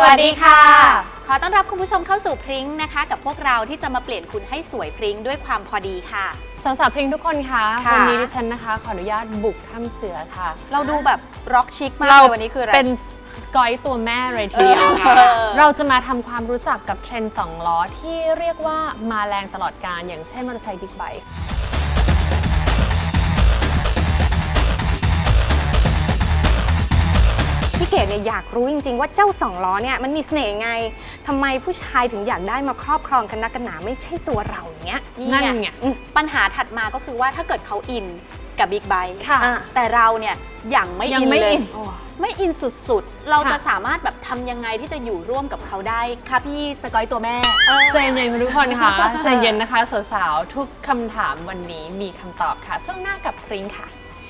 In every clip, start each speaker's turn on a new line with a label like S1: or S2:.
S1: วัสดีค่ะขอต้อนรับคุณผู้ชมเข้าสู่พริ้งนะคะกับพวกเราที่จะมาเปลี่ยนคุณให้สวยพริ้งด้วยความพอดีค่ะ
S2: สาวๆพริ้งทุกคนคะวันนี้ดิฉันนะคะขออนุญาตบุกถ้ำเสือค่ะ
S1: เราดูแบบร็อกชิคมากเลยวันนี้คืออะไร
S2: เป็นสกอยตัวแม่เลยทีเดียวเราจะมาทำความรู้จักกับเทรนด์2 ล้อที่เรียกว่ามาแรงตลอดกาลอย่างเช่นมอเตอร์ไซค์บิ๊กไบค์
S3: พี่เกดเนี่ยอยากรู้จริงๆว่าเจ้า2 ล้อเนี่ยมันมีเสน่ห์ไงทำไมผู้ชายถึงอยากได้มาครอบครองกันนักกันหนาไม่ใช่ตัวเราอย่างเงี้ย
S1: นี่ไงปัญหาถัดมาก็คือว่าถ้าเกิดเขาอินกับบิ๊กไบค์แต่เราเนี่ยยังไม่อินเลยไม่อินสุดๆเราจะสามารถแบบทำยังไงที่จะอยู่ร่วมกับเขาได้คะพี่สกอยตัวแม่
S2: ใจเย็นทุกคนค่ะใจเย็นนะคะสาวๆทุกคำถามวันนี้มีคำตอบค่ะช่วงหน้ากับพริ้งค่ะ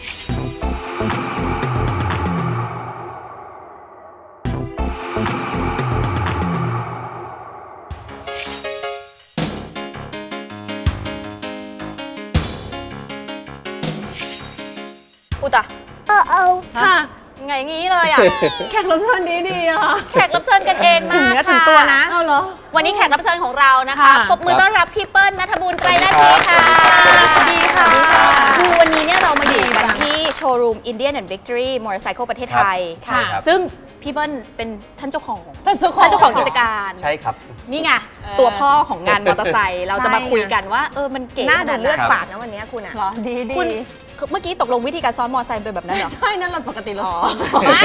S1: อุตะ
S2: เอาค่ะ
S1: ไงงี้เลยอ่ะ
S2: แขกรับเชิญดีๆอ่ะ
S1: แขกรับเชิญกันเองมา
S3: ถึงเนื้อถึงตัวนะ
S2: เอาเหรอ
S1: วันนี้แขกรับเชิญของเรานะคะปรบมือต้อนรับพี่เปิ้ลณัฐบุญไกรนาทีค่ะ
S3: สวัสดีค่ะ
S1: คือวันนี้เนี่ยเรามาอยู่กันที่โชว์รูม Indian and Victory Motorcycle ประเทศไทยซึ่งพี่เปิ้ลเป็นท่านเจ้าของกิจการ
S4: ใช่ครับ
S1: นี่ไงตัวพ่อของงานมอเตอร์ไซค์เราจะมาคุยกันว่ามันเก๋
S3: น่าดูเลือดฝาดนะวันนี้คุณอะ
S2: เหรอดี
S1: คุณเมื่อกี้ตกลงวิธีการซ้อนมอเตอร์ไซค์เป็นแบบนั้นเหรอ
S2: ใช่นั่นเราปกติเราซ้อน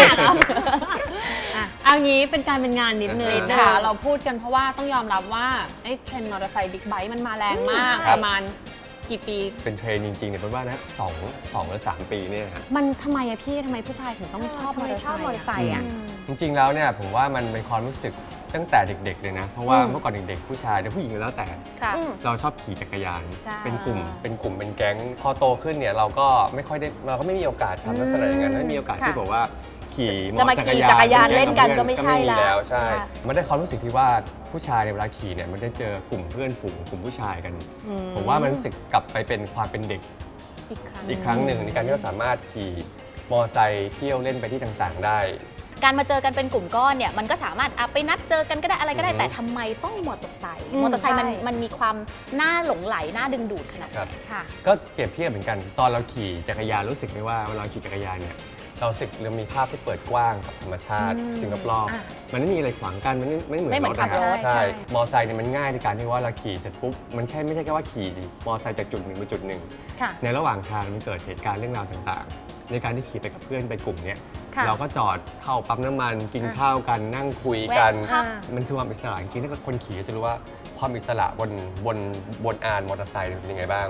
S2: เอางี้เป็นการเป็นงานนิดนึงนะคะเราพูดกันเพราะว่าต้องยอมรับว่าไอ้เทรนด์มอเตอร์ไซค์บิ๊กไบค์มันมาแรงมากประมาณกี่ปี
S4: เป็นเทรนจริงๆเนี่ยเป็นว่านะ2 หรือ 3 ปีเนี่ยครับ
S2: มันทำไมอะพี่ทำไมผู้ชายถึงต้องชอบมอเตอร์ไซค์อะ
S4: จริงๆแล้วเนี่ยผมว่ามันเป็นความรู้สึกตั้งแต่เด็กๆเลยนะเพราะว่าเมื่อก่อนเด็กๆผู้ชายหรือผู้หญิงแล้วแต่เราชอบขี่จักรยานเป็นกลุ่มเป็นแก๊งพอโตขึ้นเนี่ยเราก็ไม่มีโอกาสทำลักษณะอย่างนั้นไม่มีโอกาสที่บอกว่าขี่
S1: จักรยานเล่นกันก็ไม่ใช่
S4: แล้วใช่มันได้ความรู้สึกที่ว่าผู้ชายในเวลาขี่เนี่ยมันได้เจอกลุ่มเพื่อนฝูงกลุ่มผู้ชายกันผมว่ามันรู้สึกกลับไปเป็นความเป็นเด็กอีกครั้งหนึ่งในการที่เราสามารถขี่มอเตอร์ไซค์เที่ยวเล่นไปที่ต่างๆได้
S1: การมาเจอกันเป็นกลุ่มก้อนเนี่ยมันก็สามารถไปนัดเจอกันก็ได้อะไรก็ได้แต่ทำไมต้องมอเตอร์ไซค์มันมีความน่าหลงไหลน่าดึงดูดขนาดนี้
S4: ค่ะก็เปรียบเทียบเหมือนกันตอนเราขี่จักรยานรู้สึกไหมว่าเวลาขี่จักรยานเนี่ยเรามีภาพที่เปิดกว้างกับธรรมชาติสิ่งรอบๆมันไม่มีอะไรขวางกันมันไม่เหมือนรถนะครับใช่มอเตอร์ไซค์เนี่ยมันง่ายในการที่ว่าเราขี่เสร็จปุ๊บมันไม่ใช่แค่ว่าขี่มอเตอร์ไซค์จากจุดหนึ่งไปจุดหนึ่งในระหว่างทางมันเกิดเหตุการณ์เรื่องราวต่างๆในการที่ขี่ไปกับเพื่อนไปกลุ่มเนี้ยเราก็จอดเข้าปั๊มน้ำมันกินข้าวกันนั่งคุยกันมันคือความอิสระจริงๆถ้าคนขี่จะรู้ว่าความอิสระบนอานมอเตอร์ไซค์เป็นยังไงบ้าง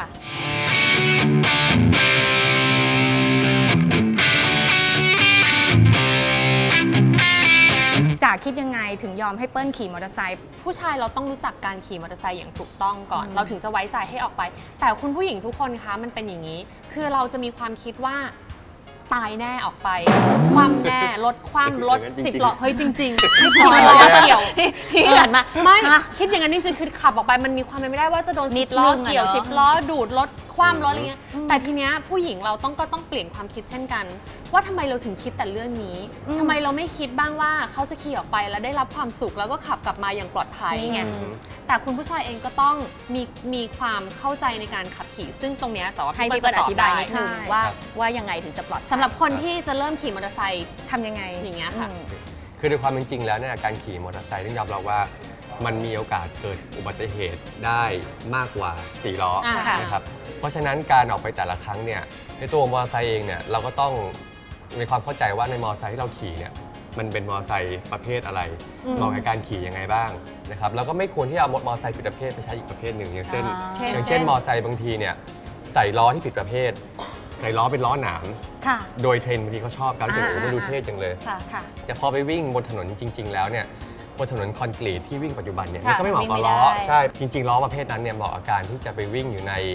S3: จ๋าคิดยังไงถึงยอมให้เปิ้ลขี่มอเตอร์ไซค์
S2: ผู้ชายเราต้องรู้จักการขี่มอเตอร์ไซค์อย่างถูกต้องก่อนเราถึงจะไว้ใจให้ออกไปแต่คุณผู้หญิงทุกคนคะมันเป็นอย่างนี้คือเราจะมีความคิดว่าตายแน่ออกไปคว่ำแน่รถคว่ำรถ10 ล้อเฮ้ยจริงๆให้10 ล้อเกี่ยว
S1: ที่หันมา
S2: ไม่คิดอย่างนั้นจริงๆคือขับออกไปมันมีความเป็นไม่ได้ว่าจะโดน10 ล้อเกี่ยว10 ล้อดูดรถคว่ำรถอะไรเงี้ยแต่ทีเนี้ยผู้หญิงเราก็ต้องเปลี่ยนความคิดเช่นกันว่าทำไมเราถึงคิดแต่เรื่องนี้ทำไมเราไม่คิดบ้างว่าเขาจะขี่ออกไปแล้วได้รับความสุขแล้วก็ขับกลับมาอย่างปลอดภัยไงแต่คุณผู้ชายเองก็ต้องมีความเข้าใจในการขับขี่ซึ่งตรงเนี้ยแต่ว่า
S1: ให้พี่เปิ้ลอธิบายนิดนึงว่ายังไงถึงจะปลอดภัย
S2: สำหรับคนที่จะเริ่มขี่มอเตอร์ไซค์
S3: ทำยังไง
S2: อย่างเงี้ยค่ะ
S4: คือในความเป็นจริงแล้วเนี่ยการขี่มอเตอร์ไซค์ต้องยอมรับว่ามันมีโอกาสเกิดอุบัติเหตุได้มากกว่า4 ล้อนะครับเพราะฉะนั้นการออกไปแต่ละครั้งเนี่ยในตัวมอเตอร์ไซค์เองเนี่ยเราก็ต้องมีความเข้าใจว่าในมอเตอร์ไซค์ที่เราขี่เนี่ยมันเป็นมอเตอร์ไซค์ประเภทอะไรเหมาะกับการขี่ยังไงบ้างนะครับแล้วก็ไม่ควรที่เอามอเตอร์ไซค์ผิดประเภทไปใช้อีกประเภทหนึ่งอย่างเช่นมอเตอร์ไซค์บางทีเนี่ยใส่ล้อที่ผิดประเภทใส่ล้อเป็นล้อหนามโดยเทรนด์บางทีเขาชอบกันจะมันดูเท่จังเลยแต่พอไปวิ่งบนถนนจริงๆแล้วเนี่ยบนถนนคอนกรีตที่วิ่งปัจจุบันเนี่ยมันก็ไม่เหมาะกับล้อใช่จริงๆล้อประเภทนั้นเนี่ยเหมาะกับการที่จะไปวิ่งอยู่ใน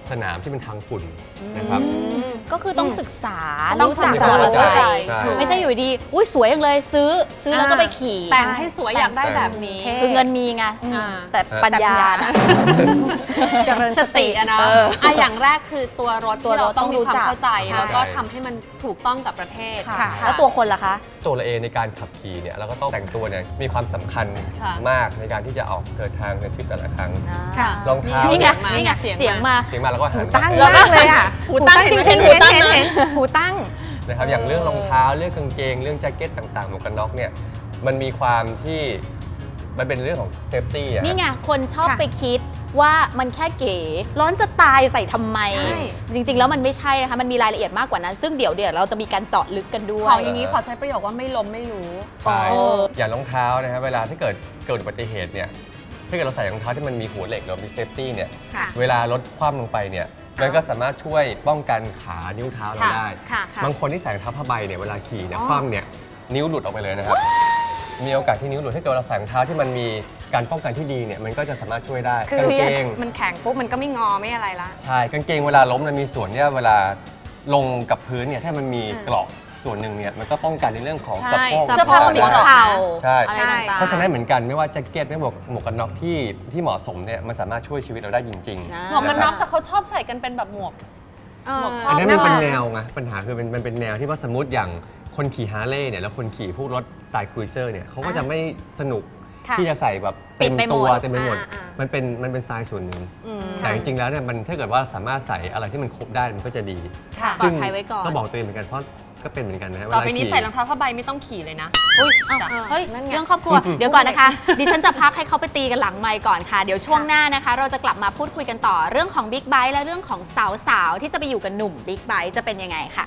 S4: สนามที่เป็นทางฝุ่นนะครับ
S1: ก็คือต้องศึกษา
S2: ต้อง
S1: รู้จัก
S2: ศึกษา
S1: มอเตอร์ไซ
S4: ใช่
S1: ค์
S4: ใช่
S1: ไม่ใช่อยู่ดีอุ้ยสวยจังเลยซื้อแล้วก็ไปขี่
S2: แต่งให้สวยอยากได้แบบนี้
S1: คือเงินมีไง
S2: อ่า
S1: แต่ปัญญา
S3: เจริญ
S2: ส
S3: ส
S2: ติ
S3: ติ
S2: อะเนาะอย่างแรกคือตัวรถ
S1: ตัว
S2: ที่
S1: ร
S2: เรา
S1: ถ
S2: ต้องมีความ
S1: ต้องรู้จัก
S2: เข้าใจ
S1: ใช่
S2: แล้วก็ทำให้มันถูกต้องกับประเทศ
S1: ค่ะแล้วตัวคนล่ะคะ
S4: ตัวเราเองในการขับขี่เนี่ยเราก็ต้องแต่งตัวเนี่ยมีความสำคัญ
S2: ค่ะ
S4: มากในการที่จะออกเดินทางในทริปแต่ละครั้ง
S2: ค่ะ
S4: รองเท้า
S1: นี่ไง
S4: เนี่ย
S1: นี่ไง
S2: เสียง
S1: เสียงมา
S4: เสียงมาแล้วก็หัน
S3: ตั้ง
S4: มา
S3: มากเลยอ่ะ
S2: หูตั้ง
S3: จริง
S2: เห็น
S3: ๆ
S2: ไหม
S3: เห็น
S2: หูตั้ง
S3: เห็น
S2: นะ
S3: เห็นหูตั้ง
S4: นะครับอย่างเรื่องรองเท้าเรื่องกางเกง เรื่องแจ็คเก็ตต่างๆหมวกกันน็อกเนี่ยมันมีความที่มันเป็นเรื่องของเซฟตี้อะ
S1: นี่ไงคนชอบ
S3: ค่ะ
S1: ไปคิดว่ามันแค่เก๋ร้อนจะตายใส่ทำไม
S3: ใช่
S1: จริงๆ แล้วมันไม่ใช่นะคะมันมีรายละเอียดมากกว่านั้น ซึ่งเดี๋ยวเราจะมีการเจาะลึกกันด้ว
S2: ขอย อย่างนี้ขอใช้ประโยคว่าไม่ล้มไม่รู้
S4: ใช่
S1: เออ
S4: อย่างรองเท้านะครับเวลาที่เกิดอุบัติเหตุเนี่ยถ้าเกิดเราใส่รองเท้าที่มันมีหัวเหล็กหรือมีเซฟตี้เนี่ย
S3: ค่ะ
S4: เวลารถคว่ำลงไปเนี่ยมันก็สามารถช่วยป้องกันขานิ้วเท้าเรา
S2: ค่ะ
S4: ได้
S3: ค่ะค่ะ
S4: บางคนที่ใส่รองเท้าผ้าใบเนี่ยเวลาขี่เนี่ยคว่ำเนี่ยนิ้วหลุดออกไปเลยนะครับ มีโอกาสที่นิ้วหลุดถ้าเกิดเราใส่รองเท้าที่มันมีการป้องกันที่ดีเนี่ยมันก็จะสามารถช่วยได้
S3: คือก
S4: างเกง
S3: มันแข็งปุ๊บมันก็ไม่งอไม่อะไรละ
S4: ใช่กางเกงเวลาล้มมันมีส่วนเนี่ยเวลาลงกับพื้นเนี่ยถ้ามันมีเกราะส่วนหนึ่งเนี่ยมันก็ป้องกันในเรื่องของ
S2: ใช่
S4: สะโพก
S1: เสื้อผ้าคนหัวเข่า
S4: ใช่
S1: อะไรต่างๆ
S4: เพราะฉะนั้นเหมือนกันไม่ว่าแจ็คเก็ตไม่หมวกกันน็อกที่เหมาะสมเนี่ยมันสามารถช่วยชีวิตเราได้จริง
S1: นะ
S2: หมวกกันน็อกแต่เขาชอบใส่กันเป็นแบบหมวก หมวกคร
S4: อั
S2: บ
S4: นนั้นมันเป็นแนวไงปัญหาคือมันเป็นแนวที่ว่าสมมติอย่างคนขี่ฮาร์เลย์เนี่ยแล้วคนขี่พวกรถสายครูเซอร์เนี่ยเขาก็จะไม่สนุก
S3: ค่ะ
S4: ที่จะใส่แบบเต็ม
S1: ปิดไปหม
S4: ตั
S1: ด
S4: วเต็มไปหมด
S3: อ่า
S4: มันเป็นทรายส่วนหนึ่งแต่จริงๆแล้วเนี่ยมันถ้าเกิดว่าสามารถใส่อะไรที่มันครบได้มันก็จะดี
S3: ค่ะ
S1: ปลอดภัยไว้ก่อน
S4: ก็บอกตัวเองเหมือนกันเพราะก็เป็นเหมือนกันนะฮะ
S2: ต่อไป
S4: เวลา
S2: นี้
S4: ขี่
S2: ใส่รองเท้าผ้าใบไม่ต้องขี่เลยนะ
S1: อุ๊ยอ้าว
S2: จ้ะ
S1: เฮ้ย
S3: นั่นไง
S1: เรื่องครอบครัว เดี๋ยวก่อนนะคะ ดิฉันจะพักให้เขาไปตีกันหลังไมค์ก่อนค่ะ เดี๋ยวช่วงหน้านะคะ เราจะกลับมาพูดคุยกันต่อเรื่องของบิ๊กไบค์และเรื่องของสาวๆ ที่จะไปอยู่กับหนุ่มบิ๊กไบค์จะเป็นยังไงค่ะ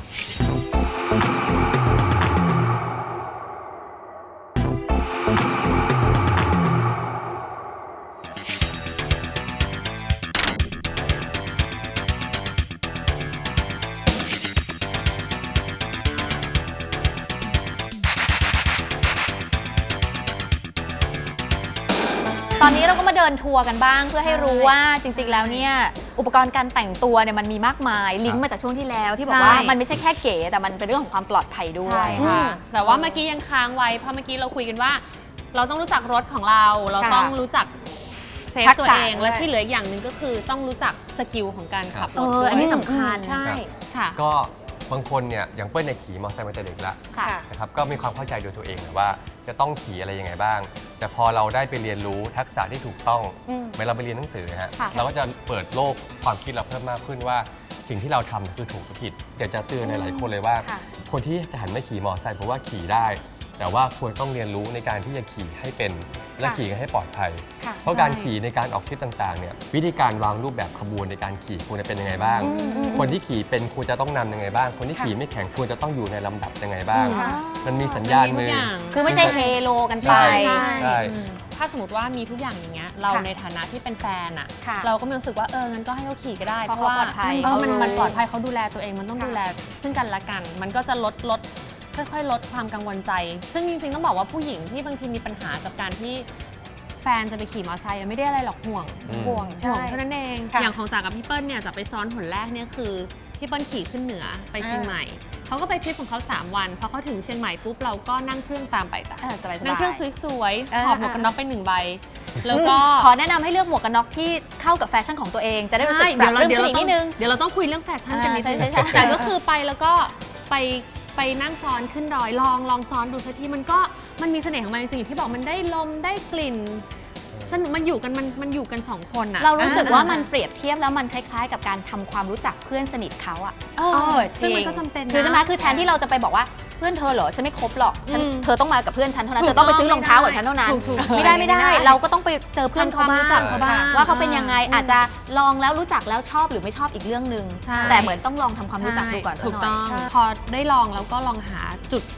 S1: ตอนนี้เราก็มาเดินทัวร์กันบ้างเพื่อให้รู้ว่าจริงๆ แล้วเนี่ยอุปกรณ์การแต่งตัวเนี่ยมันมีมากมายลิงก์มาจากช่วงที่แล้วที่บอกว่า
S2: ใช่
S1: มันไม่ใช่แค่เก๋แต่มันเป็นเรื่องของความปลอดภัยด้วย
S3: ใช่
S2: ค่ะแต่ว่าเมื่อกี้ยังค้างไว้เพราะเมื่อกี้เราคุยกันว่า เราต้องรู้จักรถของเรา เรา
S3: ค่ะ
S2: ต้องรู้จักเซฟ
S3: ทักษะ
S2: ตัวเอง
S3: ด้วย
S2: และที่เหลืออย่างหนึ่งก็คือต้องรู้จักสกิลของการขับรถด้วย
S1: อันนี้สำคัญ
S3: ใช่
S2: ค่ะ
S4: ก็บางคนเนี่ยอย่างเปิ้ลเนี่ยขี่มอเตอร์ไซค์มาแต่เด็กละ
S1: ค่ะ
S4: นะครับก็มีความเข้าใจโดยตัวเองแหละว่าจะต้องขี่อะไรยังไงบ้าง แต่พอเราได้ไปเรียนรู้ทักษะที่ถูกต้อง
S3: อืม
S4: เมื่อเราไปเรียนหนังสือนะฮะ
S1: ค่ะ
S4: เราก็จะเปิดโลกความคิดเราเพิ่มมากขึ้นว่าสิ่งที่เราทำคือถูกหรือผิดอยากจะเตือนหลายๆคนเลยว่า
S3: ค่ะ
S4: คนที่จะหันมาขี่มอเตอร์ไซค์เพราะว่าขี่ได้ แต่ว่าควรต้องเรียนรู้ในการที่จะขี่ให้เป็นและ
S3: ค่ะ
S4: ขี่กันให้ปลอดภัย
S3: ค่ะ
S4: เพราะการขี่ในการออกทริปต่างๆเนี่ยวิธีการวางรูปแบบขบวนในการขี่ควรจะเป็นยังไงบ้าง คนที่ขี่เป็นควรจะต้องนำยังไงบ้าง คนที่ขี่ไม่แข็งควรจะต้องอยู่ในลำดับยังไงบ้าง
S3: ค่ะ
S4: มันมีสัญญาณมือ
S2: มีทุกอย่าง
S1: คือไม่ใช่เฮโลกันไป
S4: ใช่
S3: ใช่
S4: ใช่
S2: ถ้าสมมติว่ามีทุกอย่างอย่างเงี้ยเรา
S3: ค่ะ
S2: ในฐานะที่เป็นแฟนอะ
S3: ค่ะ
S2: เราก็มีรู้สึกว่างั้นก็ให้เขาขี่ก็ได้
S1: เพราะเขาปลอดภัย
S2: เพราะมัน
S1: เขารู้
S2: มันปลอดภัยเขาดูแลตัวเองมันต้อง
S3: ค่ะ
S2: ดูแลซึ่งกันและกัน มันก็จะลดค่อยๆ ลดความกังวลใจ ซึ่งจริงๆต้องบอกว่าผู้หญิงที่บางทีมีปัญหากับการที่แฟนจะไปขี่มอเตอร์ไซค์ไม่ได้อะไรหรอกห่วง
S3: ห่วง
S2: ห่
S3: ใช่
S2: วงเท่านั้นเอง
S3: ค่ะ
S2: อย่างของจากกับพี่เปิ้ลเนี่ยจากไปซ้อนหนแรกเนี่ยคือพี่เปิ้ลขี่ขึ้นเหนือไปเชียงใหม่เขาก็ไปทริปของเขา3 วันพอเขาถึงเชียงใหม่ปุ๊บเราก็นั่งเครื่องตามไปจ้ะ
S1: สบายๆ
S2: นั่งเครื่องสวยๆหอบหมวกกันน็อกไป1 ใบ แล้วก็
S1: ขอแนะนำให้เลือกหมวกกันน็อกที่เข้ากับแฟชั่นของตัวเอง จะได้รู้สึกปรับเรื่องขึ้นอีกนิดนึง
S2: เดี๋ยวเราต้องคุยเรื่องแฟชั่นกันนิดนึง
S1: ใช่
S2: แต่ก็คือไปแล้วก็ไปนั่งซ้อนขึ้นดอยลองซ้อนดูสักทีมันมีเสน่ห์ของมันจริงๆอย่างที่บอกมันได้ลมได้กลิ่นสนุกมันอยู่กัน2 คนอะ
S1: เรารู้สึกว่ามันเปรียบเทียบแล้วมันคล้ายๆ กับการทำความรู้จักเพื่อนสนิทเขาอะ
S2: ซึ่งมันก็จำเป็นนะ
S1: คือใช่ไหมคือแทนที่เราจะไปบอกว่าเพื่อนเธอเหรอฉันไม่คบหรอกเธอต้องมากับเพื่อนฉันเท่านั้น
S2: ถู
S1: เธ
S2: ก
S1: อต้องไป
S2: ต้อง
S1: ซื้อรองเท้ากับฉันเท่านั้น
S2: ถูก
S1: ไม่ได้
S2: ไม่ได้
S1: เราก็ต้องไปเจอเพื่อนเขา
S2: ทำความรู้จัก
S1: บ้าง
S2: เขาบ้าง
S1: ว่าเขาเป็นยังไงอาจจะลองแล้วรู้จักแล้วชอบหรือไม่ชอบอีกเรื่องหนึ่ง
S2: ใช่
S1: แต่เหมือนต้องลองทำความรู้จักดูก่อน
S2: ถูกต้อง
S1: สัหน่ย
S2: พอได้ลองแล้วก็ลองหาจุด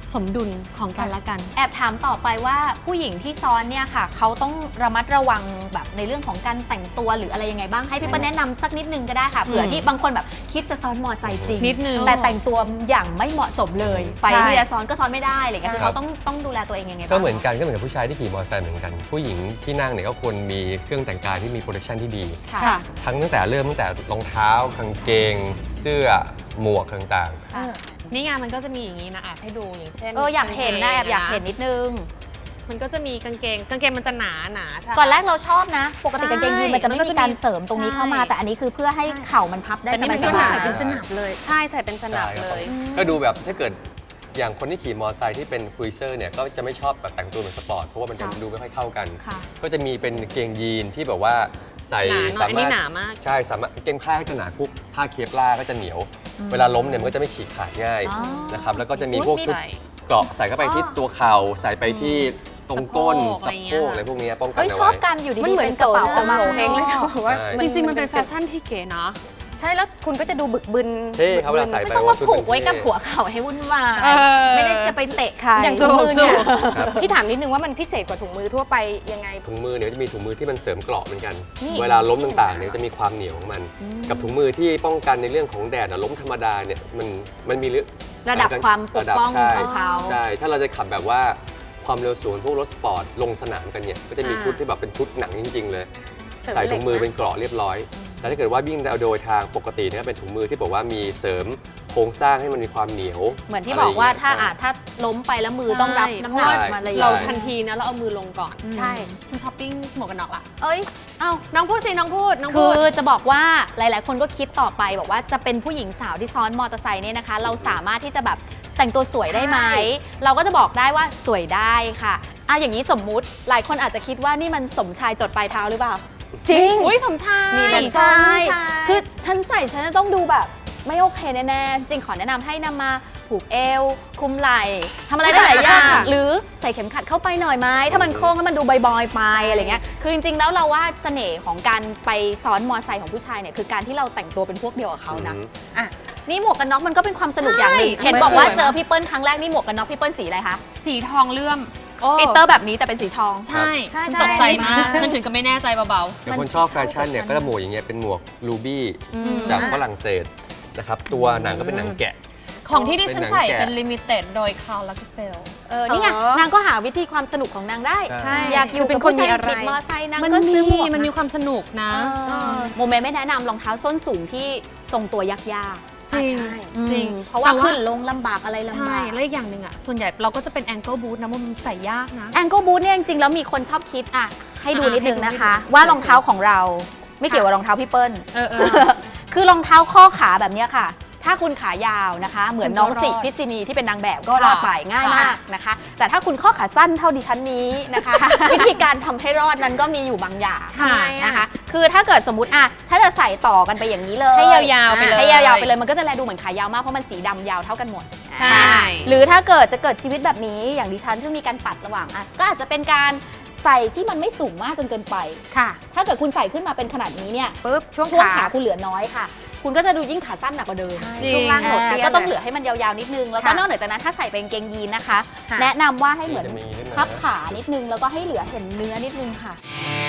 S2: สมดุลของกันและกัน
S1: แอบถามต่อไปว่าผู้หญิงที่ซ้อนเนี่ยค่ะเขาต้องระมัดระวังแบบในเรื่องของการแต่งตัวหรืออะไรยังไงบ้างให้พี่เปิ้ลแนะนำสักนิดนึงก็ได้ค่ะเผื่อที่บางคนแบบคิดจะซ้อนมอไซค์จริง
S2: นิดนึง
S1: แต่แต่งตัวอย่างไม่เหมาะสมเลยไป
S3: ใช่
S1: ที่จะซ้อนก็ซ้อนไม่ได้อะไรเงี้ยคือ
S4: ครั
S1: เขา
S4: บ
S1: ต้องดูแลตัวเองยังไงบ้าง
S4: ก็เหมือนกันกับผู้ชายที่ขี่มอเตอร์ไซค์เหมือนกัน ผู้หญิงที่นั่งเนี่ยก็ควรมีเครื่องแต่งกายที่มีโปรดักชันที่ดี
S1: ค่ะ
S2: ค่ะ
S4: ตั้งแต่รองเท้ากางเกง เสื้อหมวกต่าง
S1: ค่ะ
S2: นี่ไงมันก็จะมีอย่างนี้นะแอบให้ดูอย่างเช่น
S1: อยากเห็นนะแอบอยากเห็นนิดนึง
S2: มันก็จะมีกางเกงมันจะหนาใช่
S1: ก่อนแรกเราชอบนะ ปกติกางเกงยีนมันจะไม่
S2: มันก็
S1: มี
S2: จะมี
S1: การเสริมตรงนี้เข้ามา
S2: ใช่
S1: แต่อันนี้คือเพื่อให้เข่ามันพับได้
S2: แต่นี่มัน
S1: ส
S2: ก็
S1: บา
S2: ใส่
S1: ย
S2: เป็นสนับเลย ใช่ใส่เป็นส
S4: ๆ
S2: นับ
S4: ใช่
S2: เล
S4: ครับ
S2: ย
S4: ก็ดูแบบถ้าเกิดอย่างคนที่ขี่มอเตอร์ไซค์ที่เป็นครูเซอร์เนี่ยก็จะไม่ชอบแบบแต่งตัวเหมือนสปอร์ตเพราะว่ามันจะดูไม่ค่อยเข้ากัน
S1: ค่ะ
S4: ก็จะมีเป็นกางเกงยีนที่แบบว่าใส่
S2: หนาหน่อยอันนี้หนามาก
S4: ใช่สามารถกางเกงผ้าก็จะหนาพวกผ้าเคปลาร์ก็จะเหนียว เวลาล้มเนี่ยมันก็จะไม่ฉีกขาดง่าย
S1: อ๋อ
S4: นะครับแล้วก็จะมีพวกชุด
S2: ใส่
S4: เกราะใส่เข้าไปที่ตัวเข่าใส่ไปที่ตรงก้น
S2: สะ
S4: สะ
S2: โพ
S4: โพ
S2: ก
S4: กอะไรพวกนี้ป้องกัน
S1: เฮ้ย
S4: เอา
S1: ชอบ
S4: ไว้
S1: กันอยู่
S3: มัน
S1: ดีๆ
S3: เหมือน
S1: เป็นกระเป๋า
S3: โสมโงเฮงเลยนะบอกว่า
S4: ใช่
S2: จริงๆมันเป็นแฟชั่นที่เก๋เนาะ
S3: ใช่แล้วคุณก็จะดูบึกบึน
S4: เท่ครับเวลาใส่
S1: ไม่
S4: ไป
S1: ต้อง
S4: ว่า
S1: มา
S4: ชุด
S1: ผูกไว้กับ
S4: มันเท่
S1: หัวเข่าให้วุ่นวาย
S2: เออ
S1: ไม่ได้จะไปเตะใคร
S3: อย่างถุงมือเนี่ย
S4: ครับ
S3: พี่ถามนิดนึงว่ามันพิเศษกว่าถุงมือทั่วไปยังไง
S4: ถุงมือเนี่ยจะมีถุงมือที่มันเสริมเกราะเหมือนกัน
S3: นี่
S4: เวลาล้มต่างๆเนี่ยจะมีความเหนียวของมัน กับถุงมือที่ป้องกันในเรื่องของแดดอะล้มธรรมดาเนี่ยมันมี
S1: ระดับความปกป้อง
S4: ใช่
S1: ของเขา
S4: ใช่ถ้าเราจะขับแบบว่าความเร็วสูงพวกรถสปอร์ตลงสนามกันเนี่ยก็จะมีชุดที่แบบเป็นชุดหนังจริง ๆ เลย
S3: เสริม
S4: ใส่ถุงมือ
S3: เหล็กนะ
S4: เป็นเกราะเรียบร้อย แต่ถ้าเกิดว่าวิ่งโดยทางปกติเนี่ยเป็นถุงมือที่บอกว่ามีเสริมโครงสร้างให้มันมีความเหนียว
S1: เหมือนที่บอกว่าถ้า
S4: อะไรอย่งเงี้ย
S1: ถ้าล้มไปแล้วมือต้องรับน้ำหนัก
S4: ใช่
S1: มาเลย
S2: เราทันทีนะเราเอามือลงก่อน
S3: ใช่
S2: ฉันช้อปปิ้งหมวกกันน็อกละ
S1: เอ้ย เอ้า
S2: น้องพูดสิน้องพูด
S1: คือจะบอกว่าหลาย ๆ คนก็คิดต่อไปบอกว่าจะเป็นผู้หญิงสาวที่ซ้อนมอเตอร์ไซค์เนี่ยนะคะ เราสามารถที่จะแบบแต่งตัวสวยได้ไหม เราก็จะบอกได้ว่าสวยได้ค่ะอย่างนี้สมมุติหลายคนอาจจะคิดว่านี่มันสมชายจดปลายเท้าหรือเปล่า
S3: จริง
S2: อุ้ยสมชาย
S1: มีแต่ใช่คือฉันใส่ฉันจะต้องดูแบบไม่โอเคแน่ๆ จริงขอแนะนำให้นำมาผูกเอว คุมไหล่ทำอะไรได้หลายอย่าง หรือใส่เข็มขัดเข้าไปหน่อยไหมถ้ามันโค้งแล้วมันดูบอยๆไปอะไรเงี้ยคือจริงๆแล้วเราว่าเสน่ห์ของการไปซ้อนมอไซค์ของผู้ชายเนี่ยคือการที่เราแต่งตัวเป็นพวกเดียวกับเขานะ
S3: อ่ะ
S1: นี่หมวกกันน็อกมันก็เป็นความสนุกอย่างหนึ่งเห็นบอกว่าเจอพี่เปิ้ลครั้งแรกนี่หมวกกันน็อกพี่เปิ้ลสีอะไรคะ
S2: สีทองเลื่อม
S1: กลิตเตอร์แบบนี้แต่เป็นสีทอง
S2: ใช่
S3: ใช่
S2: ฉัน
S3: ใช่
S2: ตกใจมากฉันถึงก็ไม่แน่ใจเบา
S4: อย่างคนชอบแฟชั่นเนี่ยก็จะหมวกอย่างเงี้ยเป็นหมวกลูบี้
S2: ๆ
S4: จากฝรั่งเศสนะครับตัวหนังก็เป็นหนังแกะ
S2: ของที่ดิฉันใส่
S4: เป็นหนังแกะ
S2: เป็นลิมิเต็ดโดยคาร์ลลักเฟล
S1: นี่ไงนางก็หาวิธีความสนุกของนางได้
S4: ใช่
S1: อยากอยู่
S3: เป็
S1: กับ
S3: นคน
S1: ผู้ชาย
S3: มีอะไร
S1: บิดมอไซค์นาง
S2: มัน
S1: ก็ซื้อหมวก
S2: มันมีความสนุกนะ
S1: โมเมไม่แนะนำรองเท้าส้นสูงที่ทรงตัวยากๆ
S2: จริง
S3: ใช่
S2: จริง
S1: เพราะว่าขึ้นลงลำบากอะไรลำ
S2: ใช่
S1: บาก
S2: แล้วอีกอย่างหนึ่งอ่ะ ส่วนใหญ่เราก็จะเป็นแองเกิลบูทนะมันใส่ยากนะ
S1: แองเกิลบูทเนี่ยจริงๆแล้วมีคนชอบคิดให้ดูนิดนึงนะคะ
S2: ให้ดู
S1: ว่ารองเท้าของเราไม่เกี่ยวกับรองเท้าพี่เปิ้ล
S2: เออ
S1: คือรองเท้าข้อขาแบบเนี้ยค่ะ ถ้าคุณขายาวนะคะ เหมือนน้องสิพิษินีที่เป็นนางแบบก็รอดไปง่ายมากนะคะ แต่ถ้าคุณข้อขาสั้นเท่าดิฉันนี้นะคะ วิธีการทำให้รอดนั้นก็มีอยู่บางอย่าง
S2: ค่ะ
S1: นะคะ คือถ้าเกิดสมมติถ้าจะใส่ต่อกันไปอย่างนี้เลย
S2: ให้ยาวๆไปเลย
S1: ให้ยาวๆไปเลยมันก็จะแลดูเหมือนขายาวมากเพราะมันสีดำยาวเท่ากันหมด
S2: ใช่
S1: หรือถ้าเกิดจะเกิดชีวิตแบบนี้อย่างดิฉันซึ่งมีการปัดระหว่างก็อาจจะเป็นการใส่ที่มันไม่สูงมากจนเกินไป
S3: ค่ะ
S1: ถ้าเกิดคุณใส่ขึ้นมาเป็นขนาดนี้เนี่ย
S3: ปุ๊บช่วง
S1: ช่วง
S3: ขา
S1: ขาคุณเหลือน้อยค่ะ คุณก็จะดูยิ่งขาสั้นหนักกว่าเดิม
S2: จริง
S3: ช่วงล่างหดเตี้ย
S1: ก็ต้อง
S3: ย
S1: เหลือให้มันยาวๆนิดนึง แล้วก็
S3: ค่ะ
S1: นอกเหนือจากนั้นถ้าใส่เป็นกางเกงยีนนะคะ
S3: ค่ะ
S1: แนะนำว่าให้เหมือน
S4: จะมีนิดนึงนะ
S1: พับขานิดนึงแล้วก็ให้เหลือเห็นเนื้อนิดนึงค่ะ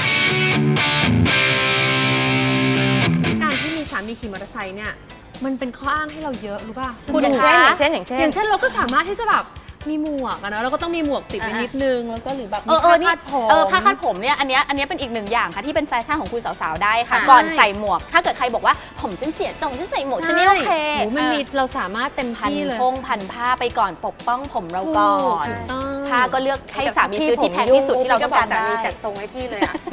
S2: การที่มีสามีขี่มอเตอร์ไซค์เนี่ย มันเป็นข้ออ้างให้เราเยอะรู้ป่ะ
S1: คุณ
S3: อย่าง
S1: คะ
S3: เช่น
S2: อย่างเช่นเราก็สามารถที่จะแบบมีหมวกอะนะเราก็ต้องมีหมวกติดไว้นิดนึง แล้วก็หรือแบบมีผ้าคาดผม
S1: ผ้าคาดผมเนี่ยอันเนี้ยเป็นอีกหนึ่งอย่างค่ะที่เป็นแฟชั่นของคุณสาวๆได้ค่ะ
S2: ใช่
S1: ก่อนใส่หมวก ถ้าเกิดใครบอกว่าผมฉันเสียทรงฉันใส่หมวกฉันไม่โอเค
S2: โอ้มันมีเราสามารถเต็ม
S1: พัน
S2: ที่เลย
S1: พงพันผ้าไปก่อนปกป้องผมเราก่อน
S2: ถูกต้อง
S1: ผ้าก็เลือกให้สามีซื้อที่แพงที่สุดที่เราต้องการ
S3: สา
S1: ได้
S3: มีจัดทรงให้พี่เลยอ่ะ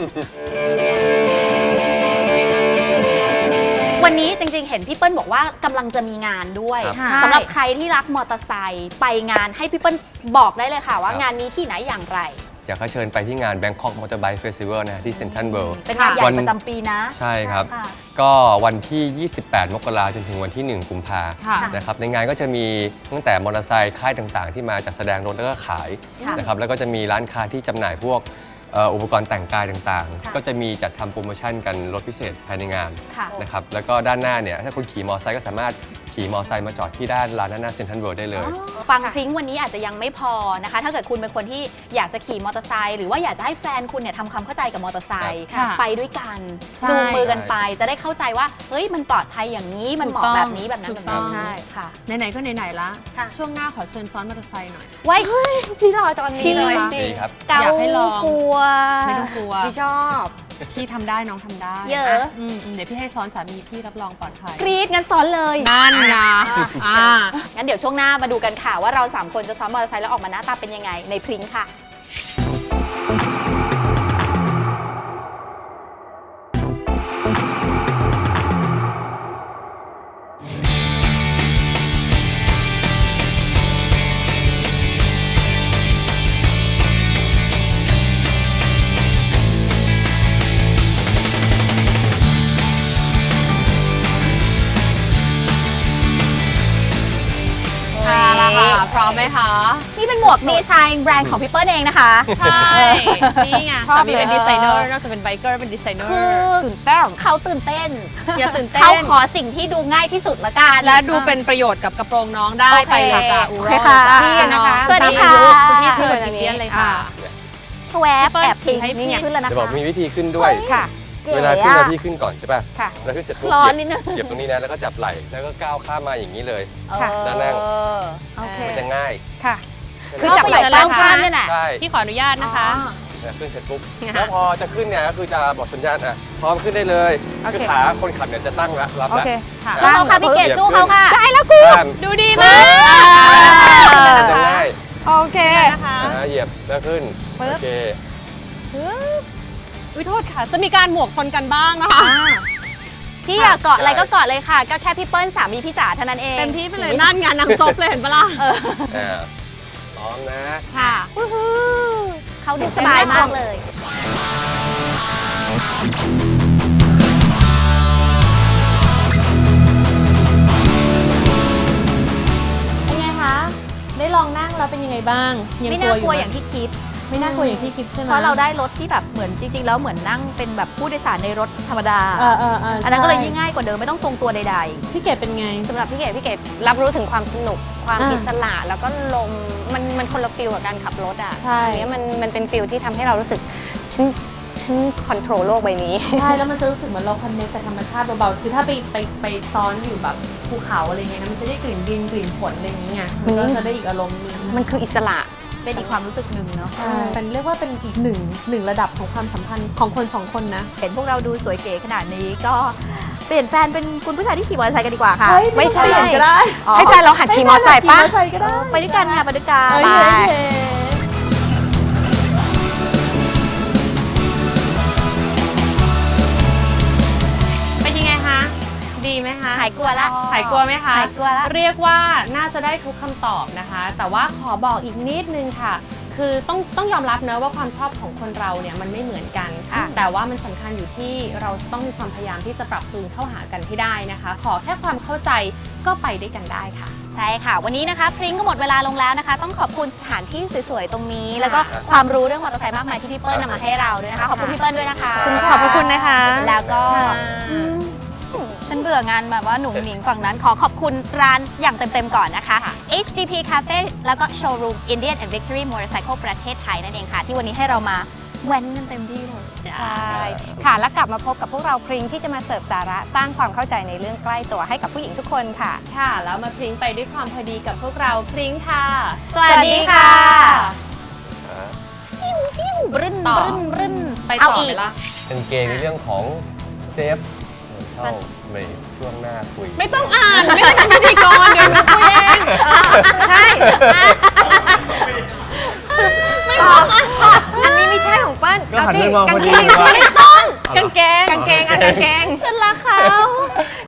S1: วันนี้จริงๆ เห็นพี่เปิ้ลบอกว่ากำลังจะมีงานด้วย
S4: ครับ
S1: สำหรับใครที่รักมอเตอร์ไซค์ไปงานให้พี่เปิ้ลบอกได้เลยค่ะว่างานนี้ที่ไหนอย่างไร
S4: อยากให้เชิญไปที่งาน Bangkok Motorbike Festival นะฮะที่ Central World
S1: เป็นงานใหญ่
S4: วัน
S1: ประจำปีนะ
S4: ใช่ครับ
S1: ค่ะ
S4: ก็วันที่ 28 มกราคมจนถึงวันที่ 1 กุมภา
S2: ค่ะ
S4: นะครับในงานก็จะมีตั้งแต่มอเตอร์ไซค์ค่ายต่างๆ ที่มาจัดแสดงรถแล้วก็ขาย
S1: ค่ะ
S4: นะครับแล้วก็จะมีร้านค้าที่จำหน่ายพวกอุปกรณ์แต่งกายต่าง
S1: ค่ะ
S4: ๆ ก็จะมีจัดทำโปรโมชั่นกันลดพิเศษภายในงาน
S1: ค่ะ
S4: นะครับแล้วก็ด้านหน้าเนี่ยถ้าคุณขี่มอเตอร์ไซค์ก็สามารถขี่ขี่มอเตอร์ไซค์มาจอดที่ด้านลานหน้าเซ็นทรัลเวิลด์ได้เลย
S1: ฟังพริ้งวันนี้อาจจะยังไม่พอนะคะ ถ้าเกิดคุณเป็นคนที่อยากจะขี่มอเตอร์ไซค์หรือว่าอยากจะให้แฟนคุณเนี่ยทำความเข้าใจกับมอเตอร์ไซค์
S2: ค่ะ
S1: ไปด้วยกัน
S2: ใช่
S1: จูงมือกันไปจะได้เข้าใจว่าเฮ้ยมันปลอดภัยอย่างนี้มันเหมาะแบบนี้แบบนั้น
S2: ถู
S1: แบบ
S2: กต้
S1: นี้
S2: อง
S1: ใช่ค่ะ
S2: ไหนๆก็ไหนๆละ
S1: ค่ะ
S2: ช่วงหน้าขอเชิญซ้อนมอเตอร์ไซค์หน่อย
S1: ไว้
S3: พี่รอตอนนี้
S1: พี่
S3: เลย
S4: ดีครับ
S1: เกา
S2: อยากให้ลอง
S1: กลัว
S2: ไม่ต้องกลัว
S3: พี่ชอบ
S2: พี่ทำได้น้องทำได้
S1: เยอะ
S2: เดี๋ยวพี่ให้ซ้อนสามีพี่รับรองปลอดภัย
S1: กรี๊ดงั้นซ้อนเลย
S2: นั่นไงอ่า
S1: งั้นเดี๋ยวช่วงหน้ามาดูกันค่ะว่าเรา3คนจะซ้อนมอเตอร์ไซค์แล้วออกมาหน้าตาเป็นยังไงในพริ้งค่ะ
S2: ค่ะละค่ะ พร้อมไหมคะ
S1: นี่เป็นหมวกดีไซน์แบรนด์ของพี่เปิ้ลเองนะคะ
S2: ใช่ นี่ไง
S3: ชอบ
S2: สามีเป็น
S3: เลย
S2: ดีไซเนอร์นอกจากเป็นไบเกอร์เป็นดีไซเนอ
S1: คือ
S2: ร์
S3: ตื่นเต้น
S1: เขาตื่นเต้น
S2: อย่าตื่นเต้น
S1: เขาขอสิ่งที่ดูง่ายที่สุดละกัน
S2: และดูเป็นประโยชน์กับกระโปรงน้องได้
S1: โอเค
S2: ไปเลยจ้ะอู
S1: โอ
S2: โร
S1: เคค่ะ
S2: พี่นะคะ
S1: สวัสดีค่ะ
S2: คุณพี่ชื่อเป็นเดียนเลยค่ะ
S1: ชวบแอบ
S2: พี่
S1: ปี
S2: ให้
S1: นี่
S2: พี่
S1: ขึ้นแล้วนะ
S4: จะบอก
S1: คะ
S4: มีวิธีขึ้นด้วย
S3: ค่ะ
S1: ก๋
S4: เวลาขึ้น
S1: อะ
S4: พี่ขึ้นก่อนใช่ป่ะ
S3: ค่ะ
S4: แล้วขึ้นเสร็จปุ๊บ
S1: ร้อนนิดนึง
S4: เหยียบตรงนี้นะแล้วก็จับไหล่แล้วก็ก้าวข้ามมาอย่างนี้เลย
S3: ค่ะ
S4: แล้วนั่ง
S1: โอเค
S4: มันจะง่าย
S3: ค่ะ
S4: ใช่ไหม
S3: คือจับไหล่
S1: เป้าข้ามเนี่ยน่ะ
S4: ใช่
S2: พี่ขออนุญาตนะคะ
S4: เนี่ยขึ้นเสร็จปุ๊บ
S2: ค่ะ
S4: แล้วพอจะขึ้นเนี่ยก็คือจะบอกสัญญาณอ่ะพร้อมขึ้นได้เลย
S3: โอเค
S4: คือขาคนขับเนี่ยจะตั้งแล้วรับ
S3: โอ
S4: แล้ว
S3: เค
S2: ค่ะ
S1: สู้เขาค่ะพี่เกดสู้เขาค่ะ
S3: ได้แล้วกู
S4: ข้าม
S2: ดูดีมาก
S4: มันจะง่าย
S3: โอเค
S2: นะคะ
S4: เหยียบแล้วขึ้น
S3: ปึ๊บ
S4: โอเค
S2: อุ้ยโทษค่ะ จะมีการหมวกชนกันบ้างนะคะ
S1: พี่อยากเกาะอะไรก็เกาะเลยค่ะ ก็แค่พี่เปิ้ลสามีพี่จ๋าเท่านั้นเอง
S2: เต็มที่ไปเลยนั่นงานนางซบเลยเห็นปะล่ะ
S4: พร้อมนะ
S2: ค่ะ
S1: เขาดูสบายมากเลย
S2: เป็นไงคะ ได้ลองนั่งแล้วเป็นยังไงบ้าง ยัง
S1: ไม่
S2: กลั
S1: น่าว
S2: อก
S1: ลัว
S2: ยู่
S1: อย่างที่คิด
S2: ไม่น่ากลัวอย่างที่คิดใช่ไหม
S1: เพราะเราได้รถที่แบบเหมือนจริง ๆ แล้วเหมือนนั่งเป็นแบบผู้โดยสารในรถธรรมดา อันนั้นก็เลยยิ่งง่ายกว่าเดิมไม่ต้องทรงตัวใด
S2: พี่เกดเป็นไง
S3: สำหรับพี่เกดรับรู้ถึงความสนุก ความ
S2: อ่า
S3: อิสระ แล้วก็ลม มันคนละฟิลกับการขับรถอ่ะ
S2: ใช่
S3: อันเนี้ยมันเป็นฟิลที่ทำให้เรารู้สึก ฉันคอนโทรลโลกใบนี้
S2: ใช่ แล้วมันจะรู้สึกเหมือนเราคอนเนคกับธรรมชาติเบาๆ คือถ้าไปซ้อนอยู่แบบภูเขาอะไรเงี้ยนะมันจะได้กลิ่นดินกลิ่นฝนอะไรอย่างเงี้ยมันก็จะได้อีกอารมณ์หนึง
S3: มันคืออิสระ
S1: ๆ เป็นอีกความรู้สึกหนึ่งเนาะ
S2: ใช่เป็นเรียกว่าเป็นอีกหนึ่งระดับของความสัมพันธ์ของคนสองคนนะ
S1: เห็นพวกเราดูสวยเก๋ขนาดนี้ก็เปลี่ยนแฟนเป็นคุณผู้ชายที่ขี่มอเตอร์ไซค์กันดีกว่าค่ะ
S3: ไม่ใช่
S2: เปลี่ยนก็ได้
S3: ให้แฟนเราหัดขี่มอเตอร์ไซค์ป่ะ
S2: ใช่ก็ได้
S1: ไปด้วยกันค่ะไปด้วยกัน
S2: เอ้ย
S3: ไป
S2: โอเคเป็นยังไงคะ ดีไหมคะ
S1: หายกลัวละ
S2: หายกลัวไหมคะ
S1: หายกลัวละ
S2: เรียกว่าน่าจะได้ทุกคำตอบนะคะ แต่ว่าขอบอกอีกนิดนึงค่ะ คือต้องยอมรับเนอะว่าความชอบของคนเราเนี่ยมันไม่เหมือนกันค่ะ แต่ว่ามันสำคัญอยู่ที่เราจะต้องมีความพยายามที่จะปรับจูนเข้าหากันให้ได้นะคะ ขอแค่ความเข้าใจก็ไปด้วยกันได้ค่ะ
S1: ใช่ค่ะ วันนี้นะคะพริ้งก็หมดเวลาลงแล้วนะคะ ต้องขอบคุณสถานที่สวยๆตรงนี้ แล้วก็ความรู้เรื่องมอเตอร์ไซค์มากมายที่พี่เปิ้ลนำมาให้เราด้วยนะคะ ขอบคุณพี่เปิ้ลด้วยนะคะ
S2: ขอบพระคุณนะคะ
S1: แล้วก็
S2: ค่ะ
S1: ฉันเบื่องานแบบว่าหนุ่มหนิงฝั่งนั้นขอขอบคุณร้านอย่างเต็มๆก่อนนะคะ HDP Cafe แล้วก็ Showroom Indian and Victory Motorcycle ประเทศไทยนั่นเองค่ะ ที่วันนี้ให้เรามาแว้นกันเต็มที่เลย
S3: ใช่ ค่ะ แล้วกลับมาพบกับพวกเราพริ้งที่จะมาเสิร์ฟสาระสร้างความเข้าใจในเรื่องใกล้ตัวให้กับผู้หญิงทุกคนค่ะ
S2: ค่ะ แล้วมาพริ้งไปด้วยความพอดีกับพวกเราพริ้งค่ะ
S1: สวัสดีค่ะ บรึ้น
S2: ต่อ
S1: บรึ้นบรึ้น
S2: ไป
S1: เอา
S2: ต่อ
S1: อี
S2: ไห
S1: ก
S2: มล่ะ
S4: เป็นเกมในเรื่องของเซฟเข้าเบรกช่วงหน้าคุย
S2: ไม่ต้องอ่าน ไม่ต้องเป็นพิธีกรเดี๋ยวหนูคุยเอง
S3: ใช่ อันนี้ไม่ใช่ของเปิ้ล
S4: ก็หัน
S3: เอาสิ
S4: ไปมอง
S3: กาง
S4: พอดี
S3: เกง
S4: ว่า
S3: ไม่ต้อง
S2: กางเกง
S3: กางเกงอ่ะกางเกง
S1: ฉันรักเขา